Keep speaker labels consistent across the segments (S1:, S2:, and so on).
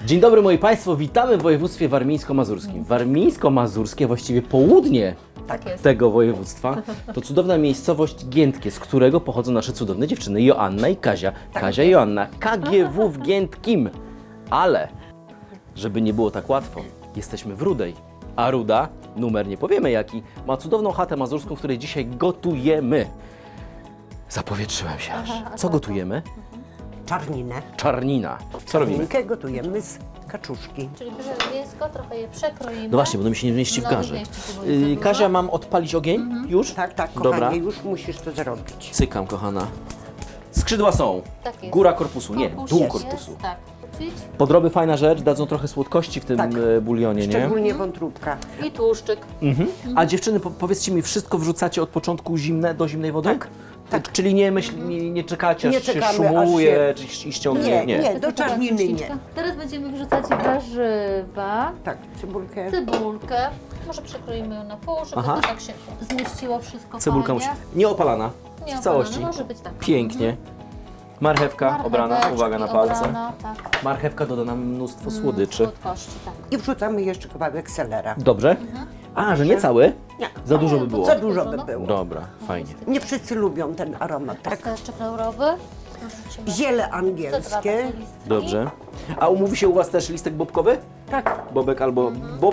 S1: Dzień dobry moi Państwo, witamy w województwie warmińsko-mazurskim. Warmińsko-mazurskie, właściwie południe tego województwa, to cudowna miejscowość Giętkie, z którego pochodzą nasze cudowne dziewczyny Joanna i Kazia. Kazia i Joanna, KGW w Giętkim. Ale, żeby nie było tak łatwo, jesteśmy w Rudej. A Ruda, numer nie powiemy jaki, ma cudowną chatę mazurską, w której dzisiaj gotujemy. Zapowietrzyłem się aż. Co gotujemy?
S2: Czarninę.
S1: Czarnina. Co robimy?
S2: Czarninkę gotujemy z kaczuszki.
S3: Czyli bierzemy mięsko, trochę je przekroimy.
S1: No właśnie, bo to mi się nie mieści w
S3: No,
S1: garze.
S3: nie mieści się, bo jest za dużo.
S1: Kazia, mam odpalić ogień? Już?
S2: Tak,
S1: Dobra.
S2: kochanie, już musisz to zrobić.
S1: Cykam, kochana. Skrzydła są.
S3: Tak jest.
S1: Góra korpusu, nie,
S3: Korpus
S1: dół
S3: jest,
S1: korpusu.
S3: Tak, kupić.
S1: Podroby fajna rzecz, dadzą trochę słodkości w tym
S2: Tak.
S1: bulionie, nie?
S2: Szczególnie wątróbka.
S3: I tłuszczyk.
S1: A dziewczyny, powiedzcie mi, wszystko wrzucacie od początku zimne do zimnej wody?
S2: Tak, tak.
S1: Czyli nie czekacie,
S2: Nie
S1: aż się
S2: czekamy,
S1: szumuje, czy ściągnie?
S2: Nie, do czarniny nie.
S3: Teraz będziemy wrzucać warzywa,
S2: Tak, cebulkę.
S3: cebulkę. Może przekroimy ją na pół, żeby
S1: Aha.
S3: to tak się zmieściło wszystko
S1: Cebulka musi...
S3: fajnie.
S1: Nie opalana,
S3: Nie
S1: w całości.
S3: Może być tak.
S1: Pięknie. Marchewka obrana,
S3: Marcheweczki
S1: uwaga na palce.
S3: obrana, tak.
S1: Marchewka doda nam mnóstwo słodyczy.
S3: Słodkości, tak.
S2: I wrzucamy jeszcze kawałek selera.
S1: Dobrze? A, że nie cały?
S2: Nie,
S1: Za dużo by było.
S2: za dużo by było.
S1: Dobra, fajnie.
S2: Nie wszyscy lubią ten aromat. Tak.
S3: Pesteczek laurowy. Wrzucimy
S2: Ziele angielskie.
S3: listki.
S1: Dobrze. A umówi się u Was też listek bobkowy?
S2: Tak,
S1: Bobek albo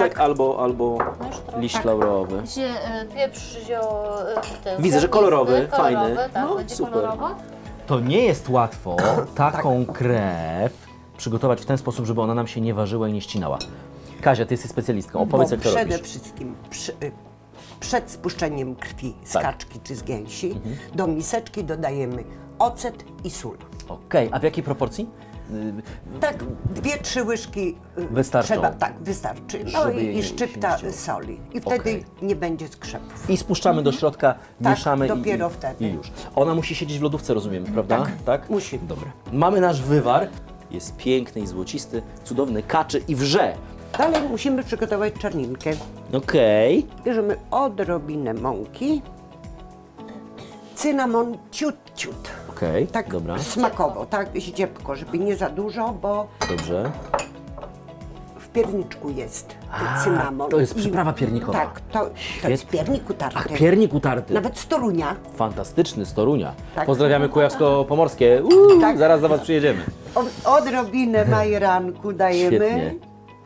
S1: albo
S3: No już trochę.
S1: liść laurowy.
S3: Pieprz
S1: Widzę, że kolorowy, fajny.
S3: kolorowy, tak,
S1: No,
S3: będzie
S1: super.
S3: kolorowo.
S1: To nie jest łatwo taką krew przygotować w ten sposób, żeby ona nam się nie ważyła i nie ścinała. Kazia, Ty jesteś specjalistką. Opowiedz,
S2: bo
S1: jak to
S2: przede
S1: robisz.
S2: wszystkim przed spuszczeniem krwi z
S1: Tak.
S2: kaczki czy z gęsi do miseczki dodajemy ocet i sól.
S1: Okej, a w jakiej proporcji?
S2: Tak, 2-3 łyżki
S1: Wystarczą.
S2: trzeba, tak, wystarczy. No
S1: Żeby jej
S2: i
S1: się
S2: szczypta
S1: nie
S2: soli. I wtedy
S1: Okej.
S2: nie będzie skrzepów.
S1: I spuszczamy do środka,
S2: Tak,
S1: mieszamy
S2: dopiero
S1: i
S2: wtedy.
S1: już. Ona musi siedzieć w lodówce, rozumiem, prawda? Tak.
S2: musi.
S1: Dobra. Mamy nasz wywar. Jest piękny i złocisty, cudowny, kaczy i wrze.
S2: Dalej musimy przygotować czarninkę.
S1: Okej.
S2: Bierzemy odrobinę mąki, cynamon ciut,
S1: Okej,
S2: tak
S1: dobra,
S2: smakowo, tak ździebko, żeby nie za dużo, bo
S1: dobrze.
S2: w pierniczku jest
S1: A,
S2: cynamon.
S1: to jest
S2: I-
S1: przyprawa piernikowa.
S2: Tak, to jest
S1: Świetnie.
S2: piernik utarty.
S1: Ach, piernik utarty.
S2: Nawet z Torunia.
S1: Fantastyczny, z Torunia.
S2: Tak.
S1: Pozdrawiamy Kujawsko-Pomorskie.
S2: Tak.
S1: Zaraz do Was przyjedziemy.
S2: Odrobinę majeranku dajemy.
S1: Świetnie.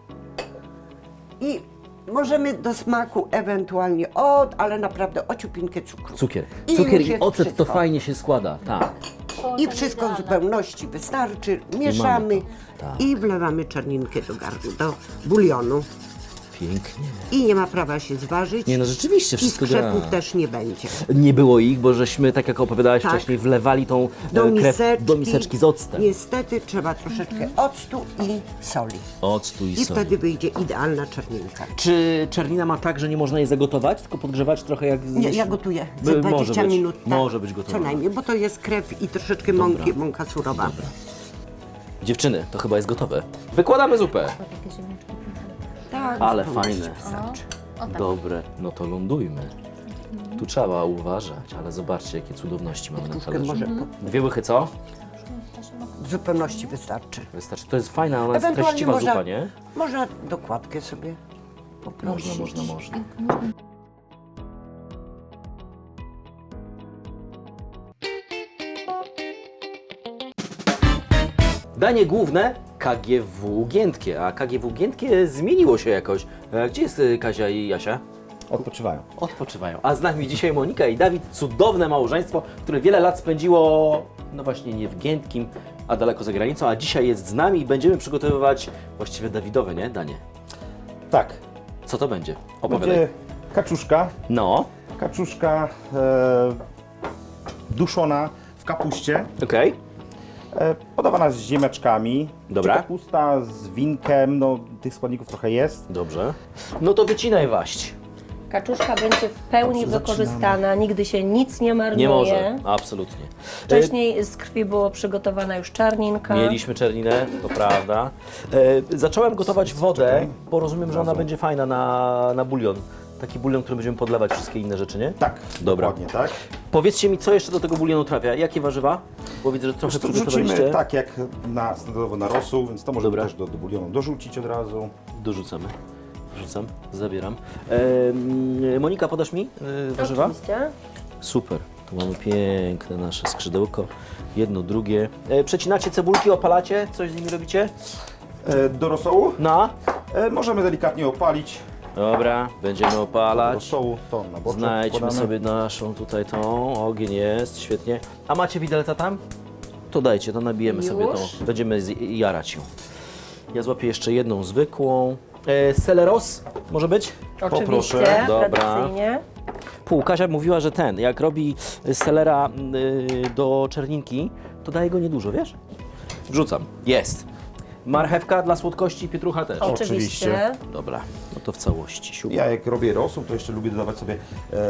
S2: I możemy do smaku ewentualnie ale naprawdę ociupinkę cukru.
S1: Cukier.
S2: I
S1: Cukier
S2: już
S1: i
S2: jest
S1: ocet
S2: wszystko.
S1: to fajnie się składa. Tak.
S2: I wszystko w zupełności wystarczy. Mieszamy
S1: to. Tak.
S2: i wlewamy czarninkę do garnku, do bulionu.
S1: Pięknie.
S2: I nie ma prawa się zważyć.
S1: Nie no, rzeczywiście
S2: I
S1: wszystko gra.
S2: skrzepów też nie będzie.
S1: Nie było ich, bo żeśmy, tak jak opowiadałaś
S2: Tak.
S1: wcześniej, wlewali tą
S2: Do
S1: krew
S2: miseczki,
S1: do miseczki z octem.
S2: Niestety trzeba troszeczkę octu i soli.
S1: Octu i
S2: I
S1: soli.
S2: wtedy wyjdzie idealna czarninka.
S1: Czy czarnina ma tak, że nie można jej zagotować, tylko podgrzewać trochę jak...
S2: Nie, ja gotuję
S1: By-
S2: za 20
S1: może być.
S2: minut. Tak,
S1: Może być gotowana.
S2: Co najmniej, bo to jest krew i troszeczkę mąki, mąka surowa.
S1: Dziewczyny, to chyba jest gotowe. Wykładamy zupę.
S3: Takie ziemniaczki.
S2: Tak,
S1: Ale
S2: zupełności
S1: fajne.
S2: wystarczy.
S3: O tak.
S1: Dobre, no to lądujmy. Tu trzeba uważać, ale zobaczcie, jakie cudowności mamy na
S2: Troszkę
S1: talerzu.
S2: może
S1: 2 łychy co?
S2: w zupełności wystarczy.
S1: Wystarczy. To jest fajna, ona jest
S2: Ewentualnie
S1: treściwa
S2: można,
S1: zupa, nie?
S2: można dokładkę sobie poprosić.
S1: Można. Danie główne KGW Giętkie, a KGW Giętkie zmieniło się jakoś. Gdzie jest Kazia i Jasia?
S4: Odpoczywają.
S1: Odpoczywają. A z nami dzisiaj Monika i Dawid, cudowne małżeństwo, które wiele lat spędziło, no właśnie nie w Giętkim, a daleko za granicą, a dzisiaj jest z nami i będziemy przygotowywać właściwie Dawidowe, nie? Danie.
S4: Tak.
S1: Co to będzie? Opowiadaj.
S4: Będzie kaczuszka.
S1: No,
S4: Kaczuszka duszona w kapuście.
S1: okej.
S4: Podawana z ziemeczkami.
S1: Dobra.
S4: Czy kapusta z winkiem, no tych składników trochę jest.
S1: Dobrze. No to wycinaj waść.
S5: Kaczuszka będzie w pełni
S4: Dobrze,
S5: wykorzystana, nigdy się nic nie marnuje.
S1: Nie może, absolutnie.
S5: Wcześniej z krwi było przygotowana już czarninka.
S1: Mieliśmy czerninę, to prawda. Zacząłem gotować wodę, bo rozumiem, że ona będzie fajna na bulion. Taki bulion, który będziemy podlewać wszystkie inne rzeczy, nie?
S4: Tak,
S1: Dobra.
S4: dokładnie tak.
S1: Powiedzcie mi, co jeszcze do tego bulionu trafia? Jakie warzywa? Bo widzę, że trochę
S4: Tu
S1: przygotowaliście.
S4: wrzucimy tak jak standardowo na rosół, więc to możemy
S1: Dobra.
S4: też do bulionu dorzucić od razu.
S1: Dorzucamy. Wrzucam, zabieram. Monika, podasz mi warzywa?
S5: Oczywiście.
S1: Super. Tu mamy piękne nasze skrzydełko. Jedno, drugie. Przecinacie cebulki, opalacie? Coś z nimi robicie?
S4: Do rosołu
S1: No.
S4: możemy delikatnie opalić.
S1: Dobra, będziemy
S4: Do
S1: opalać.
S4: rosołu to na boczek
S1: Znajdźmy
S4: podamy.
S1: sobie naszą tutaj tą. Ogień jest, świetnie. A macie widelca tam? To dajcie, to nabijemy sobie tą.
S5: Już?
S1: Będziemy jarać ją. Ja złapię jeszcze jedną zwykłą. Seleros może być?
S5: Oczywiście,
S1: Poproszę. Dobra.
S5: tradycyjnie.
S1: Kasia mówiła, że jak robi selera do czerninki, to daje go niedużo, wiesz? Wrzucam. Jest. Marchewka dla słodkości, pietrucha też.
S5: Oczywiście.
S1: Dobra, no to w całości. Siup.
S4: Ja jak robię rosół, to jeszcze lubię dodawać sobie,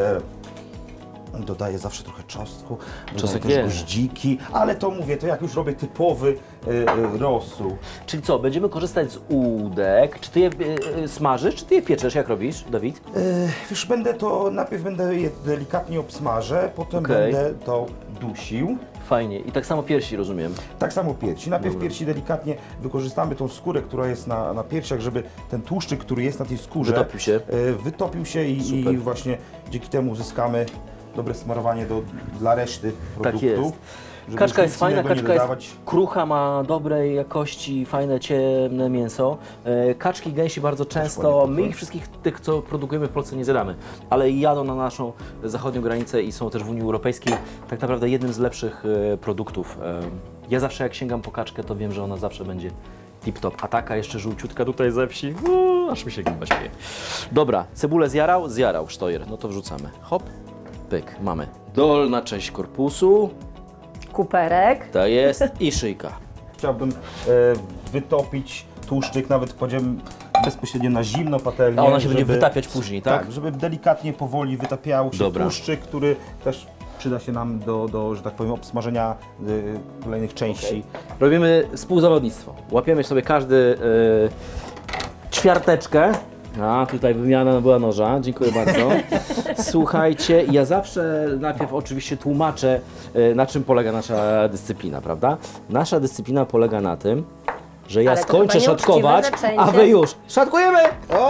S4: dodaję zawsze trochę czosnku,
S1: Czosnek
S4: dodaję też
S1: jest.
S4: goździki, ale to mówię, to jak już robię typowy rosół.
S1: Czyli co, będziemy korzystać z udek. Czy ty je smażysz, czy ty je pieczesz? Jak robisz, Dawid?
S4: Już najpierw będę je delikatnie obsmażę, potem
S1: Okej.
S4: będę to dusił.
S1: Fajnie. I tak samo piersi, rozumiem.
S4: Tak samo piersi. Najpierw piersi delikatnie wykorzystamy tą skórę, która jest na piersiach, żeby ten tłuszczyk, który jest na tej skórze,
S1: Wytopił się.
S4: wytopił się i
S1: Super.
S4: właśnie dzięki temu uzyskamy dobre smarowanie dla reszty produktu.
S1: jest.
S4: żeby
S1: Kaczka
S4: już
S1: jest
S4: nic
S1: fajna,
S4: innego nie
S1: kaczka jest
S4: dodawać.
S1: krucha, ma dobrej jakości, fajne, ciemne mięso. Kaczki, gęsi bardzo często,
S4: ładnie
S1: my ich wszystkich tych, co produkujemy w Polsce, nie zjadamy, ale jadą na naszą zachodnią granicę i są też w Unii Europejskiej tak naprawdę jednym z lepszych produktów. Ja zawsze jak sięgam po kaczkę, to wiem, że ona zawsze będzie tip-top, a taka jeszcze żółciutka tutaj ze wsi, aż mi się gęba śmieje. Dobra, cebulę zjarał sztojer, no to wrzucamy. Hop, pyk, mamy dolna część korpusu.
S5: Kuperek.
S1: To jest i szyjka.
S4: Chciałbym wytopić tłuszczyk, nawet kładziemy bezpośrednio na zimno patelnię.
S1: A ona się będzie
S4: żeby-
S1: wytapiać później, tak?
S4: Tak, żeby delikatnie, powoli wytapiał się
S1: Dobra.
S4: tłuszczyk, który też przyda się nam do że tak powiem, obsmażenia kolejnych części.
S1: Robimy współzawodnictwo. Łapiemy sobie każdy ćwiarteczkę. A, tutaj wymiana była noża, dziękuję bardzo. Słuchajcie, ja zawsze najpierw oczywiście tłumaczę, na czym polega nasza dyscyplina, prawda? Nasza dyscyplina polega na tym, że ja
S5: Ale to
S1: skończę
S5: chyba nieuczciwe
S1: szatkować,
S5: zaczęcie.
S1: a wy już szatkujemy!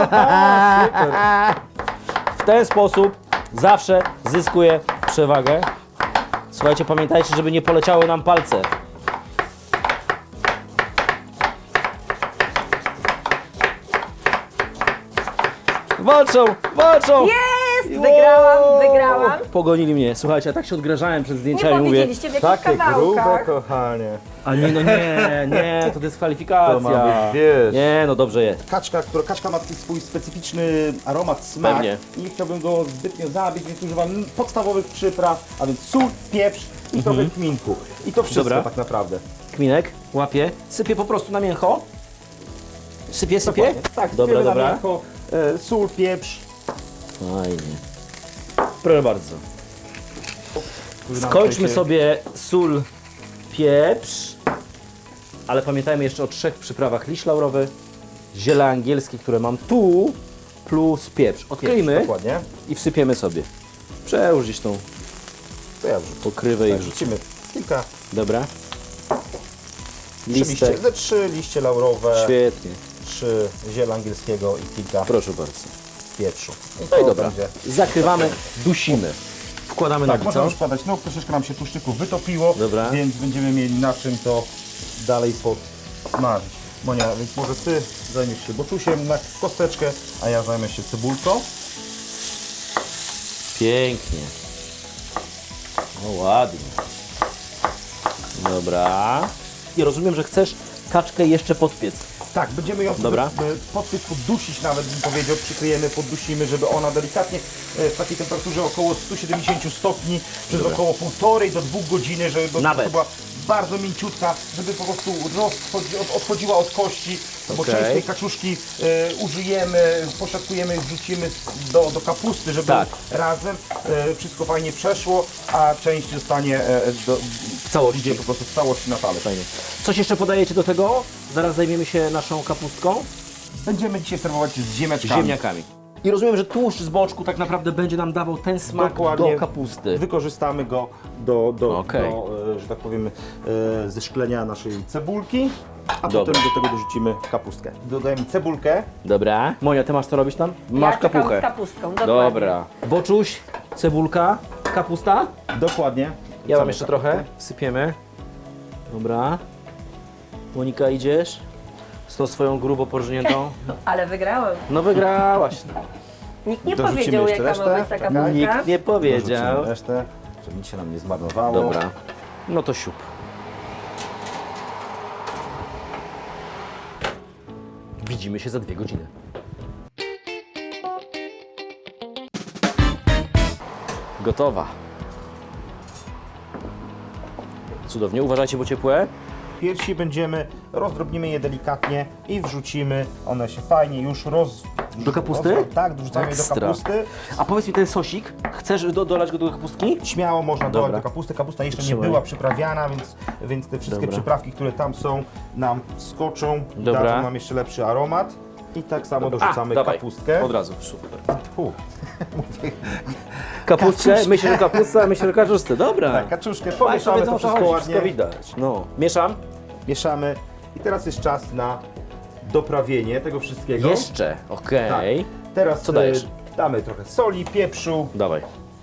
S1: W ten sposób zawsze zyskuję przewagę. Słuchajcie, pamiętajcie, żeby nie poleciały nam palce. Walczą!
S5: Jest! Wygrałam.
S1: Pogonili mnie. Słuchajcie, ja tak się odgrażałem przed
S5: Nie
S1: zdjęciami, mówię.
S5: powiedzieliście w jakich kawałkach.
S4: kochanie.
S1: A nie, no nie, to dyskwalifikacja.
S4: To ma być, wiesz.
S1: Nie, no dobrze jest.
S4: Kaczka ma taki swój specyficzny aromat, smak.
S1: Pewnie.
S4: I nie chciałbym go zbytnio zabić, więc używam podstawowych przypraw, a więc sól, pieprz i trochę kminku. I to wszystko
S1: Dobra.
S4: tak naprawdę.
S1: Kminek, łapię, sypię po prostu na mięcho. Sypię?
S4: Dokładnie. Tak,
S1: Dobra,
S4: sypiemy na
S1: dobra.
S4: miękko, sól, pieprz.
S1: Fajnie. Proszę bardzo.
S4: który nam
S1: Skończmy
S4: tutaj się-
S1: sobie sól, pieprz, ale pamiętajmy jeszcze o 3 przyprawach. Liść laurowy, ziele angielskie, które mam tu, plus pieprz. Odkryjmy
S4: Dokładnie.
S1: i wsypiemy sobie. Przełóż gdzieś tą
S4: To ja wrzucę.
S1: pokrywę i
S4: Tak,
S1: wrzucimy.
S4: wrzucimy kilka,
S1: Dobra.
S4: 3 liście laurowe,
S1: Świetnie.
S4: 3 ziela angielskiego i kilka
S1: Proszę bardzo.
S4: pieprzu.
S1: No i
S4: to
S1: dobra.
S4: będzie-
S1: Zakrywamy, dusimy. Wkładamy
S4: Tak,
S1: na
S4: możemy
S1: co?
S4: już wkładać, no troszeczkę nam się tłuszczyku wytopiło,
S1: Dobra.
S4: więc będziemy mieli na czym to dalej podsmażyć. Monia, więc może Ty zajmiesz się boczusiem na kosteczkę, a ja zajmę się cebulką.
S1: Pięknie. O, ładnie. Dobra. I rozumiem, że chcesz kaczkę jeszcze podpiec.
S4: Tak, będziemy ją
S1: Dobra.
S4: podpiec, poddusić nawet, bym powiedział, przykryjemy, poddusimy, żeby ona delikatnie w takiej temperaturze około 170 stopni przez około 1,5 do 2 godziny, żeby po
S1: Nawet.
S4: prostu była bardzo mięciutka, żeby po prostu odchodziła od kości, bo
S1: Okej.
S4: część tej kaczuszki użyjemy, poszatkujemy i wrzucimy do kapusty, żeby
S1: Tak.
S4: razem wszystko fajnie przeszło, a część zostanie
S1: W całości.
S4: idzie po prostu w całości na talerz.
S1: Fajnie. Coś jeszcze podajecie do tego? Zaraz zajmiemy się naszą kapustką.
S4: Będziemy dzisiaj serwować z ziemniaczkami.
S1: Ziemniakami. I rozumiem, że tłuszcz z boczku tak naprawdę będzie nam dawał ten smak
S4: Dokładnie.
S1: do kapusty.
S4: Wykorzystamy go
S1: Okej.
S4: że tak powiem, zeszklenia naszej cebulki, a
S1: Dobra.
S4: potem do tego dorzucimy kapustkę. Dodajemy cebulkę.
S1: Dobra. Monia, ty masz co robić tam? Masz
S5: ja czekam
S1: kapuchę.
S5: z kapustką, dokładnie.
S1: Dobra. Boczuś, cebulka, kapusta.
S4: Dokładnie.
S1: Ja mam jeszcze trochę. Wsypiemy. Dobra. Monika, idziesz? Z tą swoją grubo porżniętą.
S5: Ale wygrałem.
S1: No wygrałaś.
S5: Nikt nie
S4: Dorzucimy
S5: powiedział,
S4: jeszcze
S5: jaka ma
S4: resztę.
S5: być ta
S4: Czekaj.
S5: kapustka.
S1: Nikt nie powiedział.
S4: Dorzucimy resztę, żeby nic się nam nie zmarnowało.
S1: Dobra. No to siup. Widzimy się za 2 godziny. Gotowa. Cudownie. Uważajcie, bo ciepłe.
S4: Piersi rozdrobnimy je delikatnie i wrzucimy, one się fajnie już
S1: Do kapusty?
S4: Tak, dorzucamy je do
S1: Ekstra.
S4: kapusty.
S1: A powiedz mi, ten sosik, chcesz dolać go do kapustki?
S4: Śmiało można
S1: Dobra.
S4: dodać do kapusty. Kapusta jeszcze nie
S1: Trzymaj.
S4: była przyprawiana, więc te wszystkie
S1: Dobra.
S4: przyprawki, które tam są, nam skoczą,
S1: Dobra.
S4: dadzą nam jeszcze lepszy aromat. I tak samo dorzucamy
S1: dawaj.
S4: kapustkę.
S1: Od razu, super.
S4: Fu.
S1: Kapustkę,
S4: Kaczuszkę.
S1: myślę, że kapusta, myślę, że kaczuszkę. Dobra.
S4: Tak, kaczuszkę,
S1: Państwo
S4: pomieszamy
S1: wiedzą,
S4: to
S1: o co
S4: wszystko
S1: chodzi,
S4: ładnie.
S1: wszystko widać. No. Mieszam?
S4: Mieszamy. I teraz jest czas na doprawienie tego wszystkiego.
S1: Jeszcze, okej.
S4: Tak. Teraz
S1: Co dajesz?
S4: Damy trochę soli, pieprzu,
S1: Dawaj.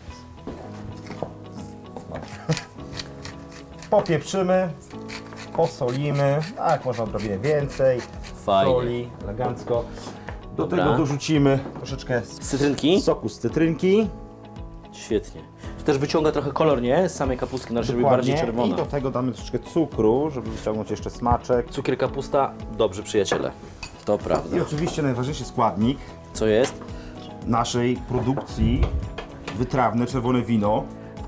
S4: popieprzymy, posolimy, a jak można odrobinę więcej,
S1: Fajnie.
S4: soli, elegancko. Do
S1: Dobra.
S4: tego dorzucimy troszeczkę
S1: Cytrynki?
S4: soku z cytrynki.
S1: Świetnie. To też wyciąga trochę kolor, nie? Z samej kapustki, żeby
S4: Dokładnie.
S1: bardziej
S4: I
S1: czerwona.
S4: do tego damy troszeczkę cukru, żeby wyciągnąć jeszcze smaczek.
S1: Cukier, kapusta, dobrzy przyjaciele. To prawda.
S4: I oczywiście najważniejszy składnik
S1: Co jest?
S4: naszej produkcji, wytrawne czerwone wino.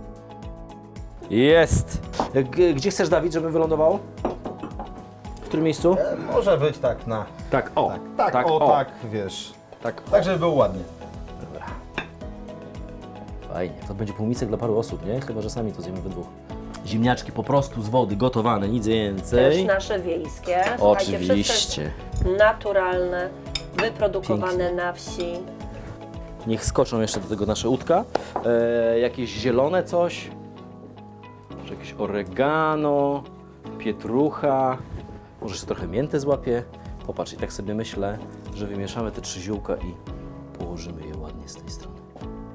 S1: Jest! Gdzie chcesz, Dawid, żeby wylądował? W którym miejscu?
S4: Może być tak na...
S1: Tak, o.
S4: Tak, wiesz.
S1: Tak.
S4: Tak, żeby było ładnie.
S1: Dobra. Fajnie. To będzie półmisek dla paru osób, nie? Chyba, że sami to zjemy we dwóch. Ziemniaczki po prostu z wody, gotowane, nic
S5: Też
S1: więcej.
S5: nasze wiejskie. Słuchajcie, wszystko
S1: Oczywiście.
S5: jest naturalne, wyprodukowane na wsi.
S1: Niech skoczą jeszcze do tego nasze udka. Jakieś zielone coś. Może jakieś oregano, pietrucha. Może jeszcze trochę mięty złapię. Popatrz, i tak sobie myślę, że wymieszamy te 3 ziółka i położymy je ładnie z tej strony.